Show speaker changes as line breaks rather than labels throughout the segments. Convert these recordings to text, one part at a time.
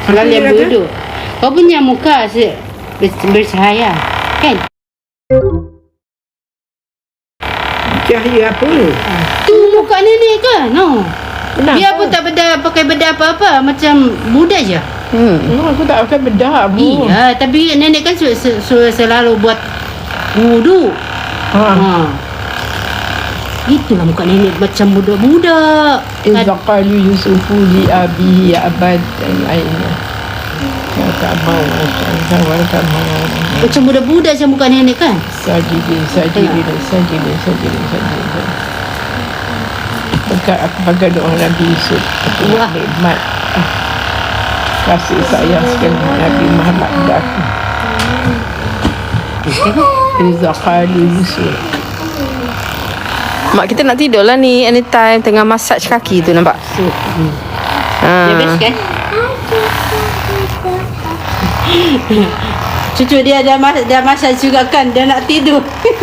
Lalu yang duduk. Kau punya muka bercahaya, kan?
Cahaya apa?
Tu muka nenek ke? No.
Kenapa?
Dia pun tak pakai bedah apa-apa, macam muda je.
Aku tak pakai bedah, Bu.
Iya, tapi nenek kan selalu buat wudu. Itulah muka nenek macam budak-budak.
Iza qalu Yusufu li abihi ya abad dan lainnya. Ya tak mau, tak mau.
Macam budak-budak macam muka nenek kan?
Sajidin. Aku pakai doa Nabi Yusuf.
Wah.
Nikmat. Kasih sayang sekali Nabi Muhammad pada aku. Iza qalu Yusuf.
Mak kita nak tidur lah ni anytime tengah massage kaki tu, nampak?
Dia best kan? Cucu dia dah masak juga kan, dia nak tidur.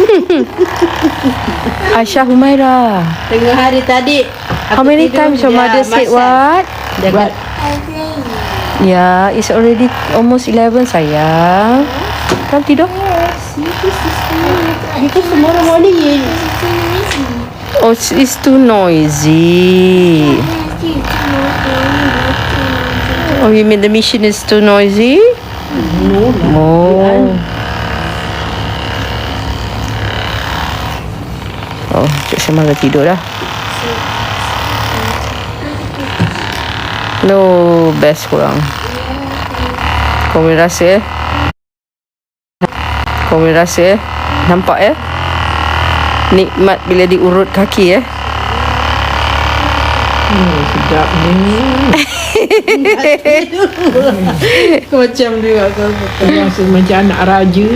Aisyah Humaira,
Tengah hari tadi
how many times your mother said what?
Dia
What?
Yeah, it's already almost 11 sayang. Come tidur.
Because tomorrow morning
Oh, it's too noisy. Oh, you mean the machine is too noisy?
no lah.
Oh, Cik Syamah dah tidur dah. No, best korang. Kau boleh rasa nampak nikmat bila diurut kaki
Sedap ni.
Macam dia kau.
Rasa macam anak raja.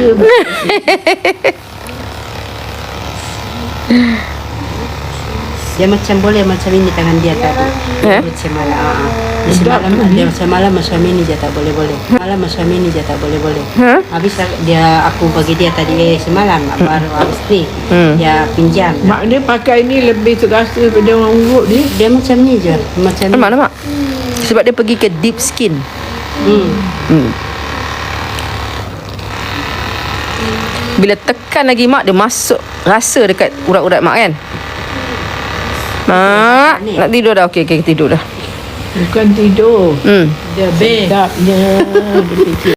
Dia macam boleh macam ini tangan dia tadi. Macam malam. Dia macam malam macam ini je tak boleh. Malam macam ini je tak boleh. Habis aku bagi dia tadi semalam baru habis ni. Dia pinjam.
Mak dia pakai ni lebih terasa pada orang urut dia.
Dia macam ni je. Macam ni.
Nampak? Sebab dia pergi ke deep skin. Bila tekan lagi mak, dia masuk rasa dekat urat-urat mak kan. Mak, nak tidur dah. Okey, tidur dah.
Bukan tidur.
Dia best.
Sedapnya. Dia fikir